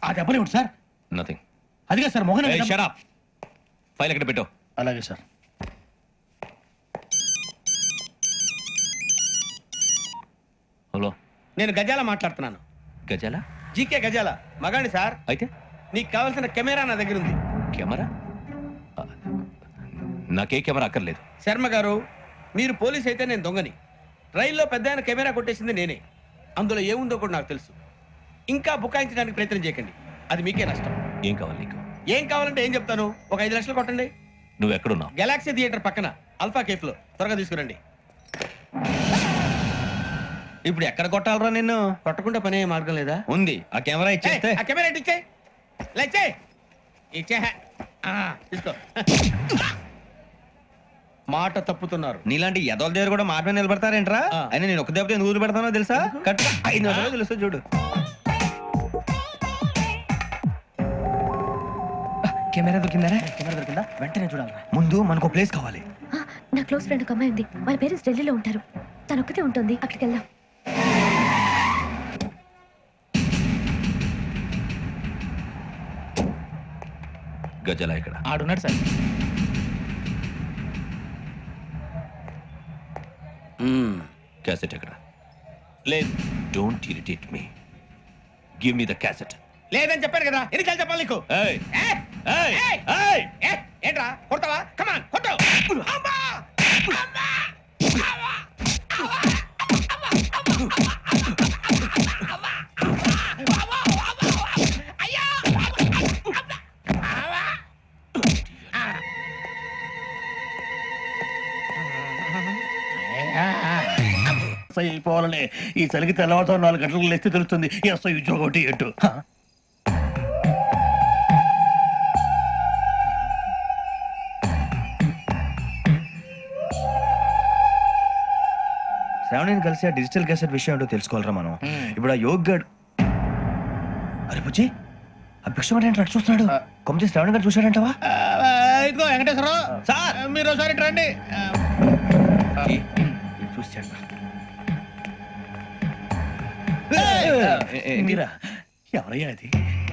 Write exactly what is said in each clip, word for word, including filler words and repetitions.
ఆ దెబ్బలేమిటి sir? Nothing. అదిగా sir Mohan. Shut up. File ఎక్కడ పెట్టు. అలాగే సార్. హలో, నేను గజాల మాట్లాడుతున్నాను. గజాల? జీకే గజాల మగాండి సార్. అయితే నీకు కావాల్సిన కెమెరా నా దగ్గర ఉంది. కెమెరా? నాకే కెమెరా అక్కర్లేదు. శర్మ గారు, మీరు పోలీస్ అయితే నేను దొంగని. రైల్లో పెద్ద ఆయన కెమెరా కొట్టేసింది నేనే. అందులో ఏముందో కూడా నాకు తెలుసు. ఇంకా బుకాయించడానికి ప్రయత్నం చేయకండి, అది మీకే నష్టం. ఏం కావాలి నీకు? ఏం కావాలంటే ఏం చెప్తాను. ఒక ఐదు లక్షలు కొట్టండి. నువ్వు ఎక్కడున్నావు? గెలాక్సీ థియేటర్ పక్కన అల్ఫా కేఫ్ లో. త్వరగా తీసుకురండి. ఇప్పుడు ఎక్కడ కొట్టాలరా నిన్ను? కొట్టకుండా పనే మార్గం లేదా? ఉంది. ఆ కెమెరా ఇచ్చేస్తే. ఆ కెమెరా ఇచ్చే లేచే ఇచ్చే తీసుకో. మాట తప్పుతున్నారు. నీలాంటి ఎదల దగ్గర కూడా మాట మీద నిలబడతారేంట్రా? అయినా నేను ఒక దెబ్బతో ఎందుకు పెడతానో తెలుసా? కరెక్ట్ ఐదు నిమిషాలు తెలుస్తా చూడు. కెమెరా దొరికిందా? కెమెరా దొరికిందా? వెంటనే చూడాలి. ముందు మనకు ప్లేస్ కావాలి. నా క్లోజ్ ఫ్రెండ్ ఒక అమ్మాయి ఉంది. వాళ్ళ పేరెంట్స్ ఢిల్లీలో ఉంటారు. తను ఒక్కతే ఉంటుంది. అక్కడికి వెళ్దాం. గజాల ఇక్కడ ఆడున్నాడు సార్. క్యాసెట్ ఎక్కడ? లేదు. Don't irritate me. Give me the cassette. లేదని చెప్పాను కదా, ఎన్నిసార్లు చెప్పాలి నీకు? ఏయ్ ఏయ్! ఏయ్ ఏయ్! ఏయ్ ఏ, ఏంట్రా కొడతావా? కమాన్ కొట్టు. అమ్మా! అమ్మా! అమ్మా! అయిపోవాలనే ఈ చలికి తెల్లవారుతో నాలుగు గంటలకు లేస్తే తెలుస్తుంది ఎస్ఐ ఉద్యోగం ఒకటి ఎటు. శ్రావణిని కలిసి ఆ డిజిటల్ క్యాసెట్ విషయం ఏంటో తెలుసుకోవాలరా మనం. ఇప్పుడు ఆ యోగ్ గడ్. అరే బుజ్జి, ఆ భిక్ష ఏంటి చూస్తున్నాడు? కొమ్మిది శ్రావణి గారు చూశాడంటవా? ఇదిగో వెంకటేశ్వరరావు సార్, మీరు ఒకసారి రండి. చూశాడు. మీరా? ఎవరయ్యా అది?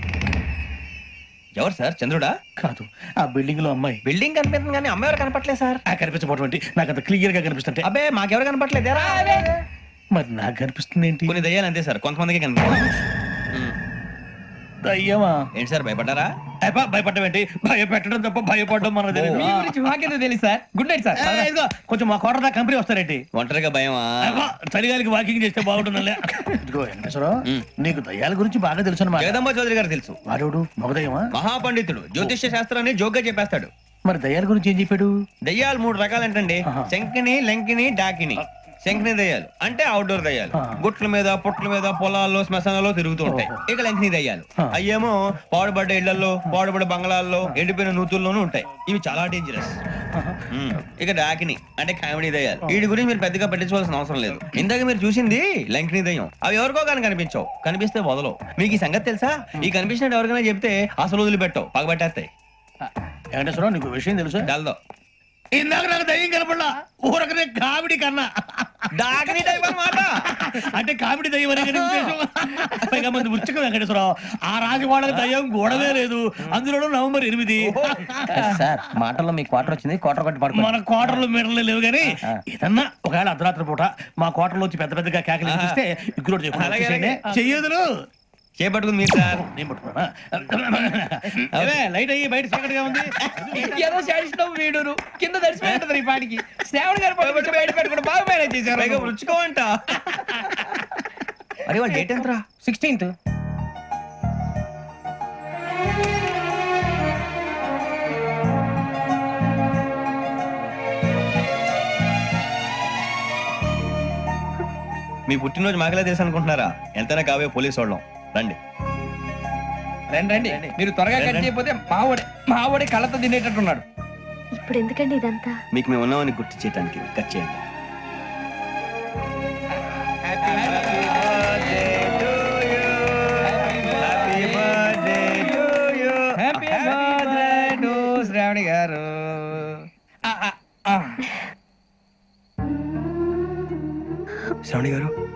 ఎవరు సార్? చంద్రుడా? కాదు, ఆ బిల్డింగ్ లో అమ్మాయి. బిల్డింగ్ కనిపిస్తుంది కానీ అమ్మాయి ఎవరు కనపట్లేదు సార్. ఆ కనిపించబోటువంటి నాకు అంత క్లియర్ గా కనిపిస్తుంటే. అబ్బే మాకెవరు కనపట్లేదు. మరి నాకు కనిపిస్తుంది ఏంటి? కొన్ని దయ్యాలు అంతే సార్, కొంతమందికి కనిపిస్తుంది. దయ్యమా? ఏంటి సార్ భయపడ్డారా? భయపడడం ఏంటి? భయపెట్టడం తప్ప భయపడడం మనకు తెలియదు. మీ గురించి మాకేదో తెలుసు సార్. Good night sir. ఇదిగో కొంచెం మా కోట దాకా కంపెనీ వస్తారేంటి? ఒంటరిగా భయమా? చలిగాలికి వాకింగ్ చేస్తే బాగుంటుందిలే. ఇదిగో వెంకటేశ్వరరావు, నీకు దయ్యాల గురించి బాగా తెలుసు అన్నమాట. జగదంబ చౌదరి గారు తెలుసు. వాడోడు మగదయ్యమా? మహాపండితుడు, జ్యోతిష్య శాస్త్రాన్ని జోగ్గా చెప్పేస్తాడు. మరి దయ్యాల గురించి ఏం చెప్పాడు? దయ్యాలు మూడు రకాలంటండి. శంకిని, లంకిని, డాకిని. శంకిని దయ్యాలు అంటే అవుట్డోర్ దయ్యాలు. గుట్ల మీద, పుట్ల మీద, పొలాల్లో, శ్మశానాల్లో తిరుగుతూ ఉంటాయి. ఇక లంకిని దయ్యాలు అయ్యేమో పాడుబడ్డ ఇళ్లలో, పాడుబడ్డ బంగ్లాల్లో, ఎండిపోయిన నూతుల్లోనూ ఉంటాయి. ఇవి చాలా డేంజరస్. ఇక డాకిని అంటే కామెడీ దయ్యాలు. వీటి గురించి మీరు పెద్దగా పట్టించుకోవాల్సిన అవసరం లేదు. ఇందాక మీరు చూసింది లంకిని దయ్యం. అవి ఎవరికో కానీ కనిపించవు, కనిపిస్తే వదలవు. మీకు ఈ సంగతి తెలుసా? ఈ కనిపించినట్టు ఎవరికైనా చెప్తే అసలు వదిలిపెట్టవు, పగబట్టేస్తాయి. వెంకటేశ్వరరావు, నీకు విషయం తెలుసు? డల్దో ఇందాక నాకు దయ్యం కనపడలా, ఊరకనే కామెడీ కన్నా. డాకిని టైప్ అన్నమాట. అంటే కామెడీ దయ్యం అనే ఉద్దేశం. పైగా మంది ఉచ్చక వెంకటేశ్వరరావు, ఆ రాజవాడకి దయ్యం గోడవే లేదు, అందులోనూ నవంబర్ ఎనిమిది. సార్ మాటల్లో మీ క్వార్టర్ వచ్చింది. క్వార్టర్ కొట్టి పడుకో. మన క్వార్టర్లు మీటర్లు లేవు కానీ ఏదన్నా ఒకవేళ అర్ధరాత్రి పూట మా క్వార్టర్లో వచ్చి పెద్ద పెద్దగా కేకలు ఇస్తే ఇగ్గురు చెయ్యదులు చేపట్టుకుంది మీరు సార్. నేను పట్టుకున్నా. లైట్ అయ్యి బయట చీకటిగా ఉంది. ఏదో శాడిస్తాం వీడును కింద దర్శనం ఈ పాటికి. శ్రావణ్ గారు పట్టుకొచ్చి బయట పెట్టుకుంటే బాగా మేనేజ్ చేశారు. పైగా రుచుకోవంట. అరే వాళ్ళ డేట్ ఎంతరా? సిక్స్టీన్త్. మీ పుట్టినరోజు మాకలే తెలుసు అనుకుంటున్నారా? ఎంతైనా కావే పోలీసు వాళ్ళం. రండి రండి రండి. మీరు త్వరగా కట్ చేయకపోతే మావడే మావడే కళ్ళతో తినేటట్టున్నాడు. ఇప్పుడు ఎందుకండి ఇదంతా? మీకు మేము ఉన్నామని గుర్తు చేయడానికి కట్ చేయండి. శ్రావణి గారు శ్రావణి గారు